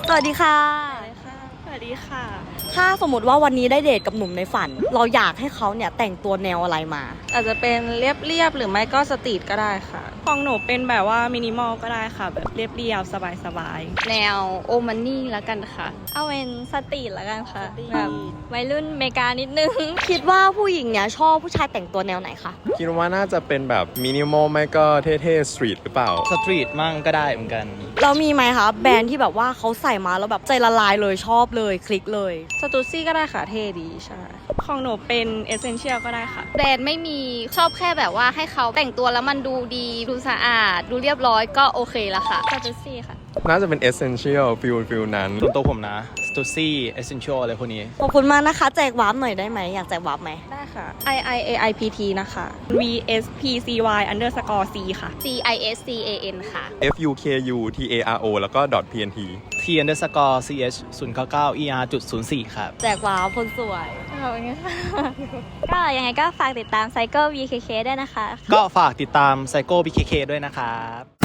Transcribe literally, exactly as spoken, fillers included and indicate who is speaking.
Speaker 1: สวัสดีค่ะ
Speaker 2: สวัสดีค่ะ
Speaker 1: ถ้าสมมติว่าวันนี้ได้เดทกับหนุ่มในฝันเราอยากให้เขาเนี่ยแต่งตัวแนวอะไรมา
Speaker 2: อาจจะเป็นเรียบเรียบหรือไม่ก็สตรีทก็ได้ค่ะของหนูเป็นแบบว่ามินิมอลก็ได้ค่ะแบบเรียบเรียบสบายสบาย
Speaker 3: แนวโอมันนี่แล้วกันค่ะเอาเป็นสตรีทแล้วกันค่ะแบบวัยรุ่นอเมริกานิดนึง
Speaker 1: คิดว่าผู้หญิงเนี่ยชอบผู้ชายแต่งตัวแนวไหนคะ
Speaker 4: คิดว่าน่าจะเป็นแบบมินิมอลไม่ก็เท่ๆสตรีทหรือเปล่า
Speaker 5: สตรีทมั่งก็ได้เหมือนกัน
Speaker 1: เรามีไหมคะแบรนด์ที่แบบว่าเขาใส่มาแล้วแบบใจละลายเลยชอบเลยคลิกเลย
Speaker 2: สตูซี่ก็ได้ค่ะเท่ดีใช่ของหนูเป็นเอเซนเชียลก็ได้ค่ะ
Speaker 3: แบรนด์ไม่มีชอบแค่แบบว่าให้เขาแต่งตัวแล้วมันดูดีดูสะอาดดูเรียบร้อยก็โอเคแล้วค่ะสตูซี่ค่ะ
Speaker 4: น่าจะเป็น Essential ฟิลฟิลนั้น
Speaker 5: ส่วนตัวผมนะ Stussy Essential อะไรพวกนี้
Speaker 1: ขอบคุณมากนะคะแจกวาร์ปหน่อยได้ไหมอยากแจกวาร์ปไหม
Speaker 2: ได้ค่ะ I I A I P T นะคะ V S P C Y underscore C ค่ะ
Speaker 3: C I S C A N ค่ะ
Speaker 4: F U K U T A R O แล้วก็ .pnt
Speaker 5: T underscore ch ศูนย์เก้าเก้า er จุดศูนย์สี่ครับ
Speaker 1: แจกวาร์ปคนสวย
Speaker 3: ขอบคุณค่ะก็ยังไงก็ฝากติดตาม Cycle วี เค เค ด้วยนะคะ
Speaker 5: ก็ฝากติดตาม Psycho บี เค เค ด้วยนะครับ